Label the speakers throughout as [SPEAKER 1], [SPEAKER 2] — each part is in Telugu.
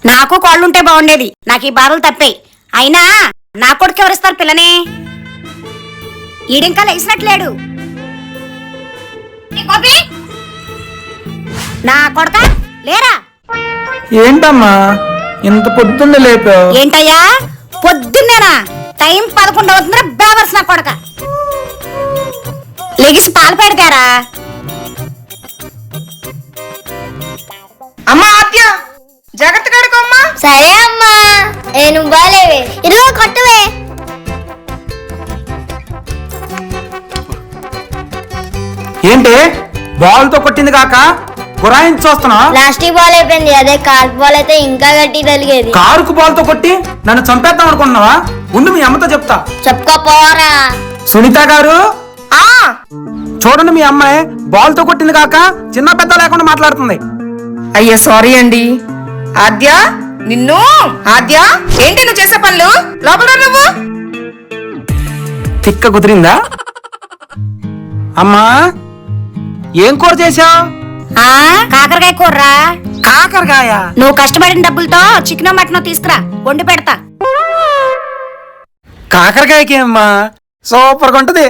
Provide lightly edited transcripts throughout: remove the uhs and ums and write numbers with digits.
[SPEAKER 1] నాకు కోళ్ళుంటే బాగుండేది. నాకు ఈ బాధలు తప్పాయి. అయినా నా కొడుకు ఎవరిస్తారు పిల్లని? ఈడింకా లేచినట్లేడు. నా కొడుక లేరా?
[SPEAKER 2] ఏంటమ్మా ఇంత పొద్దున్నే లేపావు?
[SPEAKER 1] ఏంటయ్యా పొద్దున్నేనా? టైం 11 అవుతుందిరా బేవర్స్ నా కొడక. లెగిసి పాలు పెడతారా?
[SPEAKER 3] అమ్మా ఆద్య జాగ్రత్త కడుకోమ్మా.
[SPEAKER 4] సరే అమ్మా. నేను బాలేవే ఇరవై కొట్టవే.
[SPEAKER 2] ఏంటి బాల్ తో కొట్టింది కాక గురాయించి చూస్తున్నావు?
[SPEAKER 4] ప్లాస్టిక్ బాల్ అయిపోయింది. అదే కార్క్ బాల్ అయితే ఇంకా గట్టి తలిగేది.
[SPEAKER 2] కారుకు బాల్ తో కొట్టి నన్ను చంపేద్దాం అనుకుంటున్నావా? ఉండు మీ అమ్మతో చెప్తా.
[SPEAKER 4] చెప్పుకోపోరా.
[SPEAKER 2] సునీత గారు చూడండి, మీ అమ్మాయి బాల్ తో కొట్టింది కాక చిన్న పెద్ద లేకుండా మాట్లాడుతుంది.
[SPEAKER 3] అయ్యా సారీ అండి. ఆద్య నిన్ను ఆద్య ఏంటి నువ్వు చేసే పనులు? లోపల రా నువ్వు.
[SPEAKER 2] తిక్క కుదిరిందా? అమ్మా ఏం కూర చేసావు?
[SPEAKER 1] కాకరకాయ కూరరా.
[SPEAKER 2] కాకరకాయ?
[SPEAKER 1] నువ్వు కష్టపడిన డబ్బులతో చికెన్ మటన్ తీసుకురా, వండి పెడతా.
[SPEAKER 2] కాకరకాయకి అమ్మా సూపర్ గా ఉంటది.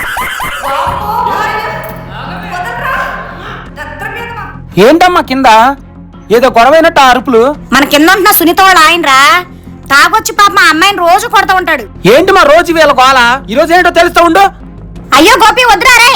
[SPEAKER 2] ఏంటమ్మా కింద ఏదో గొడవైనట్టు ఆ అరుపులు?
[SPEAKER 1] మన కింద ఉంటున్న సునీత వాళ్ళ ఆయనరా. తాగొచ్చి పాప మా అమ్మాయిని రోజు కొడతా ఉంటాడు.
[SPEAKER 2] ఏంటి మా రోజు వీళ్ళ గోల? ఈ రోజు ఏంటో తెలుస్తా ఉండు.
[SPEAKER 1] అయ్యో గోపి వద్దురా రే.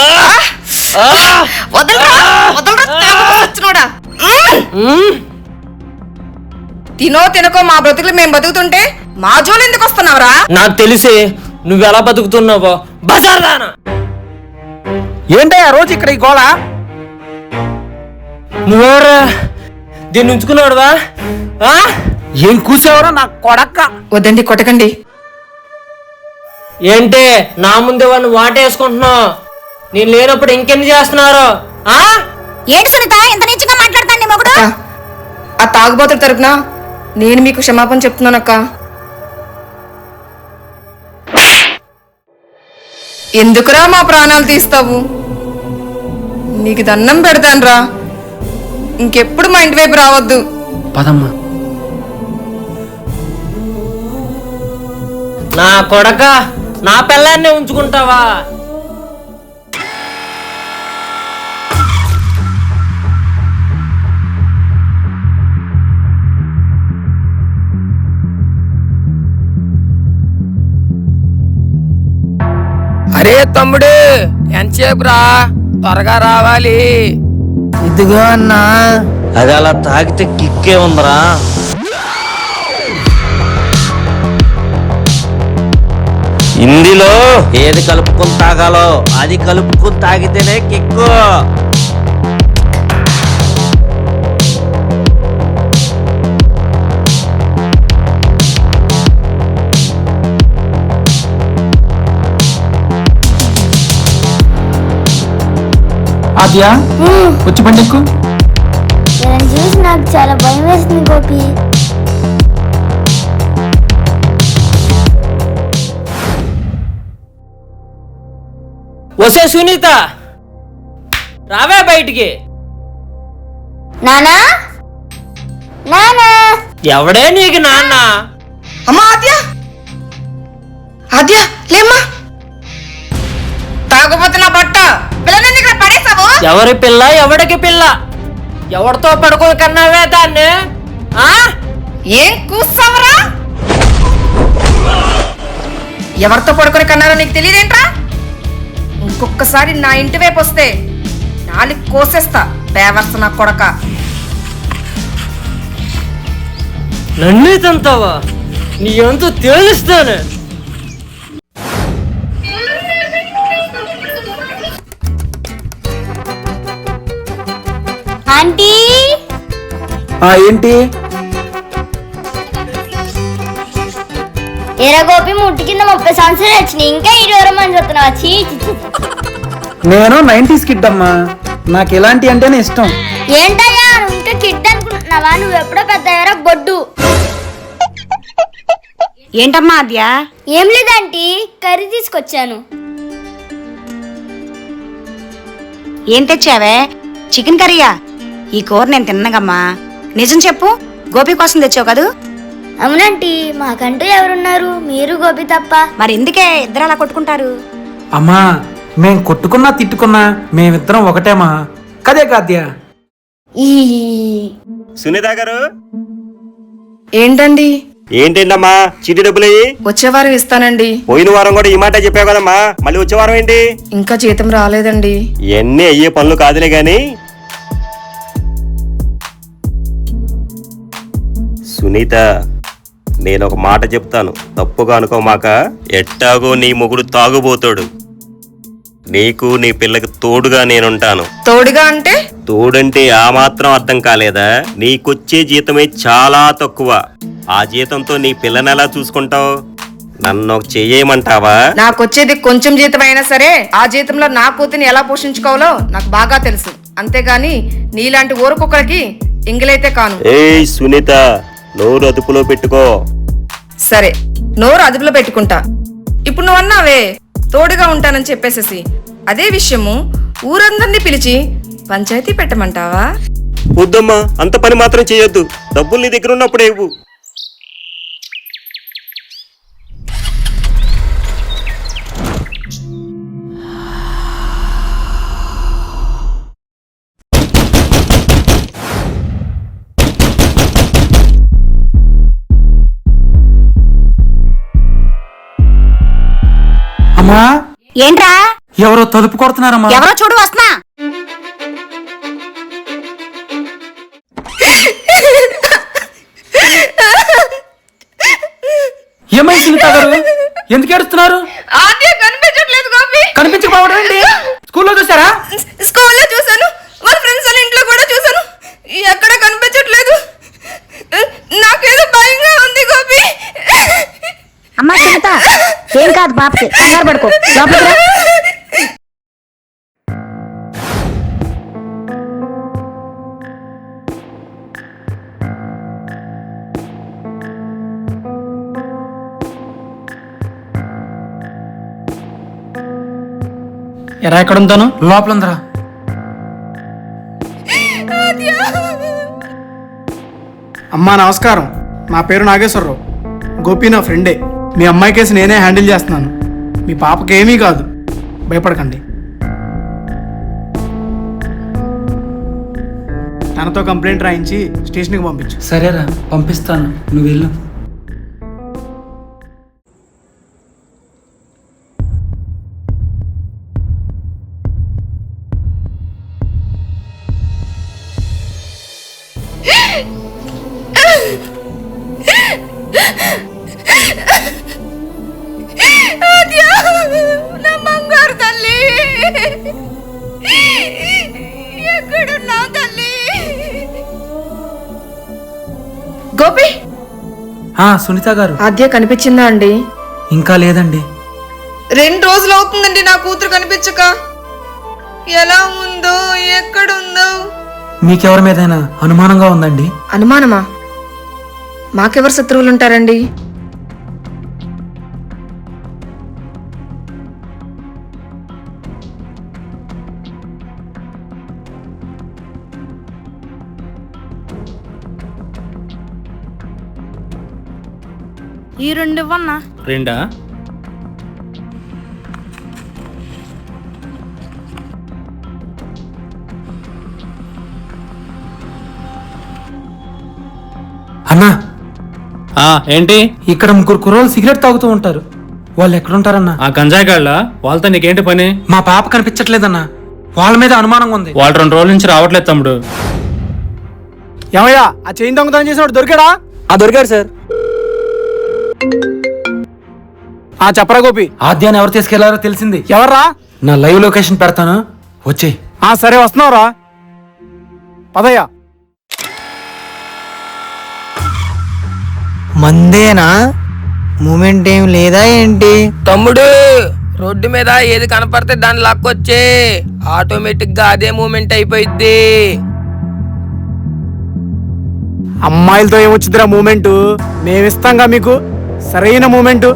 [SPEAKER 3] తినో తినకో మా బ్రతుకులు మేము బతుకుతుంటే మా జోలు ఎందుకు వస్తున్నావురా?
[SPEAKER 5] నాకు తెలిసే నువ్వెలా బతుకుతున్నావో. బజార్దానా
[SPEAKER 2] ఏంటయ్యా రోజు ఇక్కడ ఈ గోల?
[SPEAKER 5] నువ్వెవరా దీన్ని ఉంచుకున్నాడువా?
[SPEAKER 2] ఏం కూసేవరో నా కొడక్క.
[SPEAKER 3] వద్దండి కొట్టకండి.
[SPEAKER 5] ఏంటి నా ముందే వాడిని వాటేసుకుంటున్నావు? నేను లేనప్పుడు ఇంకెన్ని చేస్తున్నారు?
[SPEAKER 1] ఏంటి సునీత ఎంత నీచంగా మాట్లాడతాను నీ మొగుడు?
[SPEAKER 3] ఆ తాగుబోతుల తరపున నేను మీకు క్షమాపణ చెప్తున్నానక్క. ఎందుకురా మా ప్రాణాలు తీస్తావు? నీకు దండం పెడతానురా. ఇంకెప్పుడు మా ఇంటి వైపు రావద్దు.
[SPEAKER 2] పదమ్మా.
[SPEAKER 5] నా కొడక నా పిల్లాన్నే ఉంచుకుంటావా?
[SPEAKER 6] అరే తమ్ముడు ఎంతసేపు రా, త్వరగా రావాలి.
[SPEAKER 2] ఇదిగో అన్నా.
[SPEAKER 7] అది అలా తాగితే కిక్కే ఉందరా. హిందీలో ఏది కలుపుకొని తాగాలో అది కలుపుకొని తాగితేనే కిక్కు.
[SPEAKER 2] ఆద్యా వచ్చి బండెక్కు.
[SPEAKER 4] నేను చూసి నాకు చాలా భయం వేస్తుంది గోపి.
[SPEAKER 5] వసే సునీత రావే బయటికి.
[SPEAKER 4] నానా నానా.
[SPEAKER 5] ఎవడే నీకు నాన్న?
[SPEAKER 3] అమ్మా ఆద్య ఆద్య లేమ్మా. తాగుపోతే నా బట్ట పిల్లలని ఇక్కడ పడేస్తావు.
[SPEAKER 5] ఎవరి పిల్ల ఎవడికి పిల్ల? ఎవరితో పడుకుని కన్నావే దాన్ని?
[SPEAKER 3] ఏం కూస్తావరా? ఎవరితో పడుకొని కన్నారో నీకు తెలియదేంట్రా? ఇంకొకసారి నా ఇంటి వైపు వస్తే నాలుగు కోసేస్తా. బేవర్స్ నా కొడక.
[SPEAKER 5] నన్నే తంతావా? నీ ఎంతో తేలుస్తాను.
[SPEAKER 4] ఆంటీ
[SPEAKER 2] ఏంటి?
[SPEAKER 4] ఎరా గోపి ముట్టి కింద 30 సంవత్సరాలు వచ్చినాయి, ఇంకా 20 మంది చెప్తున్నావా?
[SPEAKER 2] నేను 90s కిడ్ అమ్మా. నాకు ఇలాంటి అంటేనే ఇష్టం.
[SPEAKER 4] ఏంటయ్యా నువ్వు ఇంకా కిడ్ అనుకుంటున్నావా? నువ్వు ఎప్పుడో పెద్ద ఎరా బొడ్డు.
[SPEAKER 1] ఏంటమ్మా ఆద్య?
[SPEAKER 4] ఏం లేదంటీ, కర్రీ తీసుకొచ్చాను.
[SPEAKER 1] ఏం తెచ్చావే? చికెన్ కర్రీయా? ఈ కూర నేను తిన్నగమ్మా. నిజం చెప్పు, గోపి కోసం తెచ్చావు కదూ?
[SPEAKER 4] అవునంటీ, మాకంటూ ఎవరున్నారు? మీరు గోపి తప్ప.
[SPEAKER 1] మరి ఎందుకే ఇద్దరు అలా కొట్టుకుంటారు?
[SPEAKER 2] అమ్మా మేం కొట్టుకున్నా తిట్టుకున్నా మేమిద్దరం ఒకటేమా, కదే కాద్య.
[SPEAKER 4] ఈ
[SPEAKER 8] సునీత గారు
[SPEAKER 3] ఏంటండి?
[SPEAKER 8] ఏంటమ్మా చీటీ డబ్బులు
[SPEAKER 3] వచ్చే వారం ఇస్తానండి.
[SPEAKER 8] పోయిన వారం కూడా ఈ మాట చెప్పావు కదమ్మా, మళ్ళీ వచ్చే వారం ఏంటి?
[SPEAKER 3] ఇంకా జీతం రాలేదండి.
[SPEAKER 8] ఇవన్నీ అయ్యే పనులు కాదులే గాని సునీత, నేను ఒక మాట చెప్తాను, తప్పుగా అనుకోమాక. ఎట్టాగో నీ మొగుడు తాగుబోతాడు, నీకు నీ పిల్లకి తోడుగా నేనుంటాను.
[SPEAKER 3] తోడుగా అంటే?
[SPEAKER 8] తోడంటే ఆ మాత్రం అర్థం కాలేదా? నీకొచ్చే జీతమే చాలా తక్కువ, ఆ జీతంతో నీ పిల్లని ఎలా చూసుకుంటావు? నన్ను చెయ్యమంటావా?
[SPEAKER 3] నాకొచ్చేది కొంచెం జీతం అయినా సరే ఆ జీతంలో నా కూతుని ఎలా పోషించుకోవాలో నాకు బాగా తెలుసు. అంతేగాని నీలాంటి ఊరుకొక్కడికి ఇంగిలైతే కాను.
[SPEAKER 8] ఏయ్ సునీత, నోరు అదుపులో పెట్టుకో.
[SPEAKER 3] సరే, నోరు అదుపులో పెట్టుకుంటా. ఇప్పుడు నువ్వు అన్నావే తోడుగా ఉంటానని చెప్పేసేసి, అదే విషయము ఊరందరినీ పిలిచి పంచాయతీ పెట్టమంటావా?
[SPEAKER 8] వద్దమ్మా, అంత పని మాత్రం చేయొద్దు. డబ్బులు నీ దగ్గర ఉన్నప్పుడే ఇవ్వు.
[SPEAKER 2] అమ్మా
[SPEAKER 1] ఏంట్రా?
[SPEAKER 2] ఎవరో తలుపు కొడుతున్నారమ్మా.
[SPEAKER 1] ఎవరో చూడు, వస్తున్నా.
[SPEAKER 2] ఏమై సునీత గారు, ఎందుకు ఏడుస్తున్నారు?
[SPEAKER 3] ఆద్య కనిపించట్లేదు గోపి.
[SPEAKER 2] కనిపించకపోవడం ఏంటి? స్కూల్లో చూసారా?
[SPEAKER 3] స్కూల్లో చూసాను, వాళ్ళ ఫ్రెండ్స్ వాళ్ళ ఇంట్లో కూడా చూసాను, ఎక్కడ కనిపించట్లేదు. నాకేదో భయంగా ఉంది గోపి.
[SPEAKER 1] అమ్మా సునీత, ఏం కాదు బాబుకి, కంగారు పడుకో, లోపలికి రా.
[SPEAKER 2] ఎరా ఎక్కడ ఉంటాను? లోపల ఉందరా.
[SPEAKER 9] అమ్మా నమస్కారం, నా పేరు నాగేశ్వరరావు. గోపి నా ఫ్రెండే. మీ అమ్మాయి కేసు నేనే హ్యాండిల్ చేస్తున్నాను. మీ పాపకి ఏమీ కాదు, భయపడకండి. తనతో కంప్లైంట్ రాయించి స్టేషన్కి పంపించు.
[SPEAKER 2] సరేరా, పంపిస్తాను, నువ్వు వెళ్ళు.
[SPEAKER 3] నా బంగారు తల్లి, ఎక్కడున్నా తల్లి? గోపి,
[SPEAKER 2] సునీత గారు,
[SPEAKER 3] ఆద్య కనిపించిందా అండి?
[SPEAKER 2] ఇంకా లేదండి.
[SPEAKER 3] 2 రోజులు అవుతుందండి నా కూతురు కనిపించక. ఎలా ఉందో, ఎక్కడుందో?
[SPEAKER 2] మీకెవరి మీదైనా అనుమానంగా ఉందండి?
[SPEAKER 3] అనుమానమా? మాకెవరు శత్రువులు ఉంటారండి?
[SPEAKER 4] ఈ 2 ఇవ్వన్నా.
[SPEAKER 5] 2?
[SPEAKER 2] అన్నా,
[SPEAKER 5] ఏంటి?
[SPEAKER 2] ఇక్కడ 3 కుర్రోళ్ళు సిగరెట్ తాగుతూ ఉంటారు. వాళ్ళు ఎక్కడుంటారన్నా?
[SPEAKER 5] ఆ గంజాయి గాళ్ళ వాళ్ళతో నీకేంటి పని?
[SPEAKER 2] మా పాప కనిపించట్లేదన్నా, వాళ్ళ మీద అనుమానంగా ఉంది.
[SPEAKER 5] వాళ్ళు 2 రోజుల నుంచి రావట్లేదు తమ్ముడు.
[SPEAKER 9] ఏమయ్యా, ఆ చైన్ దొంగతనం చేసినప్పుడు దొరికాడా?
[SPEAKER 2] దొరికాడు సార్.
[SPEAKER 9] చెప్పరా గోపి.
[SPEAKER 2] ఆద్యాన్ని ఎవరు తీసుకెళ్లారో తెలిసింది.
[SPEAKER 9] ఎవర్రా?
[SPEAKER 2] నా లైవ్ లొకేషన్ పెడతాను, వచ్చే.
[SPEAKER 9] సరే వస్తున్నావురా, పదయ్యా.
[SPEAKER 6] మందేనా? మూమెంట్ ఏం లేదా ఏంటి? తమ్ముడు, రోడ్డు మీద ఏది కనపడితే దాన్ని లాక్కొచ్చే, ఆటోమేటిక్ గా అదే మూమెంట్ అయిపోయింది.
[SPEAKER 9] అమ్మాయిలతో ఏమొచ్చుదిరా మూమెంట్? మేమిస్తాంగా మీకు సరైన మూమెంట్.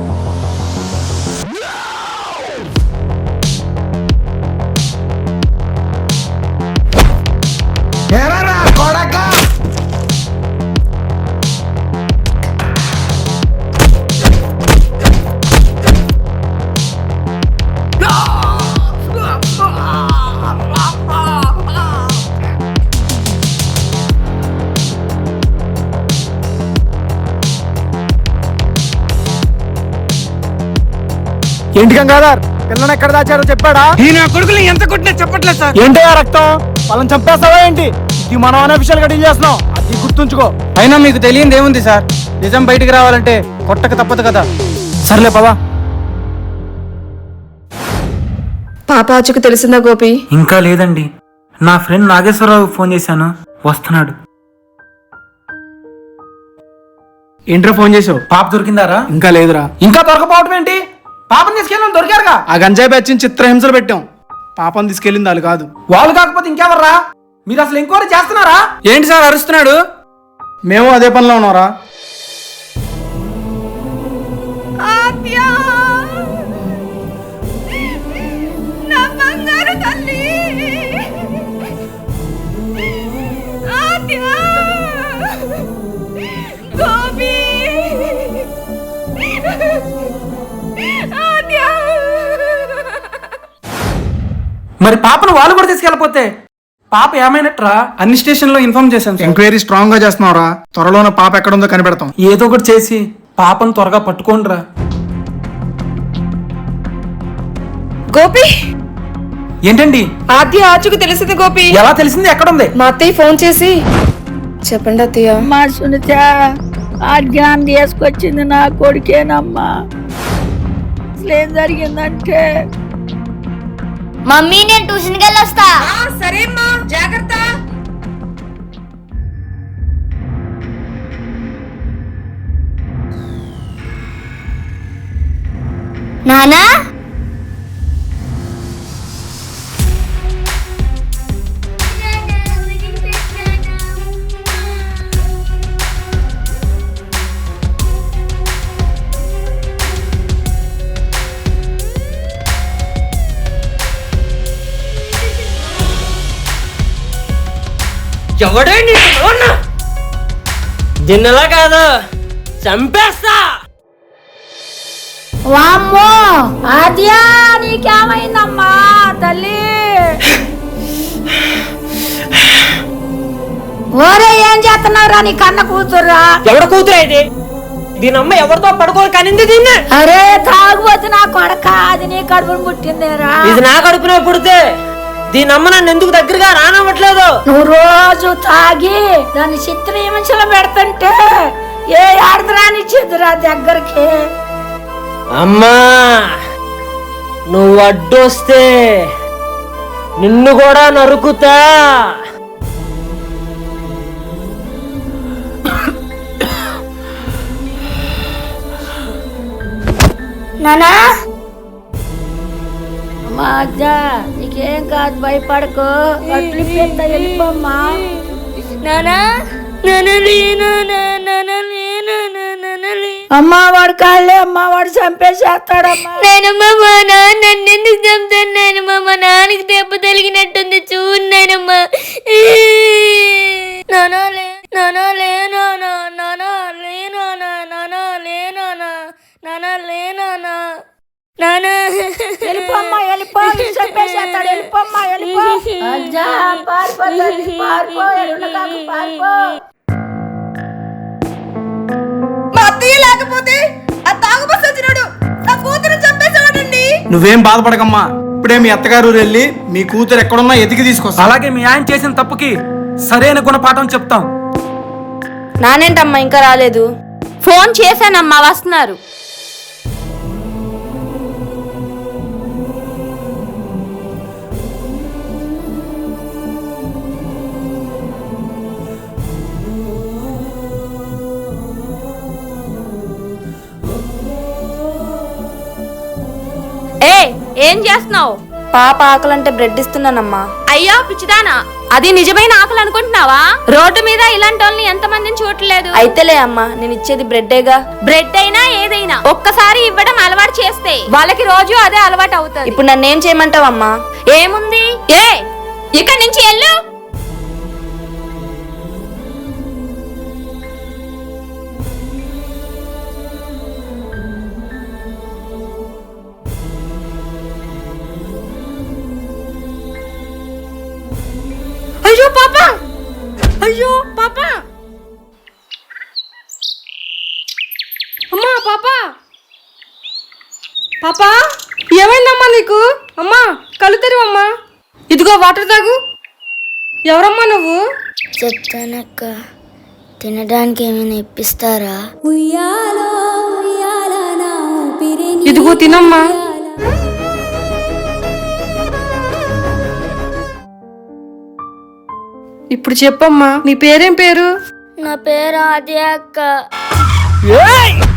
[SPEAKER 9] ఏంటి గంగాధర్ పిల్లని ఎక్కడ దాచారో చెప్పాడా?
[SPEAKER 2] ఈ నా కొడుకులు ఎంత కొట్టినా చెప్పట్లేదు సార్.
[SPEAKER 9] ఏంటి ఆ రక్తం? వాళ్ళని చంపేస్తావా ఏంటి? ఇది మనం అనఫిషియల్ గా డీల్ చేస్తున్నాం, అది గుర్తుంచుకో.
[SPEAKER 2] అయినా మీకు తెలియంది ఏముంది సార్, నిజం బయటికి రావాలంటే కొట్టక తప్పదు కదా.
[SPEAKER 9] సర్లే పదా.
[SPEAKER 3] పాప ఆచూకు తెలిసిందా గోపి?
[SPEAKER 2] ఇంకా లేదండి, నా ఫ్రెండ్ నాగేశ్వరరావు ఫోన్ చేశాను, వస్తున్నాడు.
[SPEAKER 9] ఏంట్రా ఫోన్ చేసావు?
[SPEAKER 2] పాప దొరికిందారా?
[SPEAKER 9] ఇంకా లేదురా.
[SPEAKER 2] ఇంకా దొరకపోవటం ఏంటి? పాపని తీసుకెళ్ళి దొరికారుగా.
[SPEAKER 9] ఆ గంజాయి బ్యాచ్ చిత్రహింసలు పెట్టాం, పాపం తీసుకెళ్ళింది వాళ్ళు కాదు.
[SPEAKER 2] వాళ్ళు కాకపోతే ఇంకెవర్రా? మీరు అసలు ఎంక్వైరీ చేస్తున్నారా? ఏంటి సార్ అరుస్తున్నాడు?
[SPEAKER 9] మేము అదే పనిలో ఉన్నారా.
[SPEAKER 2] మరి పాపను వాళ్ళు కూడా తీసుకెళ్ళిపోతే పాప ఏమైనట్రా? అన్ని స్టేషన్ లో ఇన్ఫార్మ్ చేశాను సార్.
[SPEAKER 9] ఎంక్వైరీ స్ట్రాంగ్ గా చేస్తున్నావురా. త్వరలోనే పాప ఎక్కడుందో కనిపెడతాం.
[SPEAKER 2] ఏదో ఒకటి చేసి పాపను త్వరగా పట్టుకోండిరా.
[SPEAKER 3] గోపి,
[SPEAKER 2] ఏంటండి?
[SPEAKER 3] ఆద్య ఆచూకు తెలిసింది గోపి.
[SPEAKER 2] ఎలా తెలిసింది? ఎక్కడుంది?
[SPEAKER 3] మా అత్తయ్య ఫోన్ చేసి చెప్పండి అత్తయ్య.
[SPEAKER 10] మా సునీత ఆజ్ఞానం తీసుకొచ్చింది నా కొడుకేనమ్మా. అసలు ఏం జరిగిందంటే
[SPEAKER 4] మమ్మీ నేను ట్యూషన్కి వెళ్ళొస్తా.
[SPEAKER 3] సరే అమ్మా, జాగ్రత్త.
[SPEAKER 4] నానా
[SPEAKER 5] ఎవడే దీన్నెలా కాదు, చంపేస్తా.
[SPEAKER 10] వామ్మో ఆద్యా నీకేమైందమ్మా తల్లి? ఓరే ఏం చేస్తున్నావురా నీ కన్న కూతుర్రా?
[SPEAKER 5] ఎవడ కూతురు అయితే దీని అమ్మ ఎవరితో పడుకోవాలి కనింది దీన్ని?
[SPEAKER 10] అరే తాగుబోతు నా కొడక, అది నీ కడుపును పుట్టిందేరా?
[SPEAKER 5] ఇది నా కడుపునే పుడితే దీని అమ్మ నన్ను ఎందుకు దగ్గరగా రానవ్వట్లేదు?
[SPEAKER 10] నువ్వు రోజు తాగి దాన్ని చిత్రహింసలు పెడుతుంటే ఏ ఆడదరానిచ్చిద్దురా దగ్గరికి?
[SPEAKER 5] అమ్మా నువ్వు అడ్డొస్తే నిన్ను కూడా నరుకుతా.
[SPEAKER 4] నానా
[SPEAKER 10] అమ్మా అజ్జా నీకేం కాదు, భయపడకు. అట్లు పెద్ద వెళ్ళిపోమ్మా.
[SPEAKER 4] నానా
[SPEAKER 10] అమ్మా వాడు కాళ్ళే, అమ్మా వాడు చంపేసేస్తాడమ్మా.
[SPEAKER 4] నాయనమ్మ మా నాన్న నన్ను ఎందుకు చంపుతాను నాయనమ్మ? మా నాన్నకి దెబ్బ తగిలినట్టుంది చూడు నాయనమ్మ. నానా లే నానా లే నానా నానా లే నానా నానా లే నానా నానా లే నానా నానా
[SPEAKER 10] వెళ్ళిపోమ్మా, వెళ్ళిపో, చంపేసేస్తాడు. వెళ్ళిపోమ్మా, వెళ్ళిపో. అజ్జా పారిపో తల్లి, పారిపో, ఎల్లుండకాకు పారిపో.
[SPEAKER 3] మా అత్తయ్య లేకపోతే ఆ తాగుబోతు సచ్చినోడు నా కూతురు చంపేసేవాడండి.
[SPEAKER 9] నువ్వేం బాధపడకమ్మా, ఇప్పుడే మీ అత్తగారు వెళ్ళి మీ కూతురు ఎక్కడున్నా ఎతికి తీసుకొస్తా.
[SPEAKER 2] అలాగే మీ ఆయన చేసిన తప్పుకి సరైన గుణపాఠం చెప్తాం.
[SPEAKER 3] నానేంటమ్మా ఇంకా రాలేదు?
[SPEAKER 1] ఫోన్ చేశానమ్మా, వస్తున్నారు. ఏం చేస్తున్నావు?
[SPEAKER 3] పాప ఆకలంటే బ్రెడ్ ఇస్తున్నానమ్మా.
[SPEAKER 1] అయ్యో పిచ్చిదానా, అది నిజమైన ఆకలి అనుకుంటున్నావా? రోడ్డు మీద ఇలాంటి వాళ్ళని ఎంత మందిని చూడలేదు.
[SPEAKER 3] అయితేలే అమ్మా, నేను ఇచ్చేది బ్రెడ్డేగా.
[SPEAKER 1] బ్రెడ్ అయినా ఏదైనా ఒక్కసారి ఇవ్వడం అలవాటు చేస్తే వాళ్ళకి రోజు అదే అలవాటు అవుతుంది.
[SPEAKER 3] ఇప్పుడు నన్నేం చేయమంటావమ్మా?
[SPEAKER 1] ఏముంది, ఇక్కడి నుంచి వెళ్ళు. అయ్యో పాప, అయ్యో పాప, అమ్మా పాప.
[SPEAKER 3] పాపా ఏమైందమ్మా నీకు? అమ్మా కళ్ళు తెరువమ్మా. ఇదిగో వాటర్ తాగు. ఎవరమ్మా నువ్వు?
[SPEAKER 10] చెప్తానక్క, తినడానికి ఏమైనా ఇప్పిస్తారా?
[SPEAKER 3] ఇదిగో తినమ్మా. ఇప్పుడు చెప్పమ్మా, నీ పేరేం పేరు?
[SPEAKER 10] నా పేరు ఆది అక్క.
[SPEAKER 6] ఏయ్!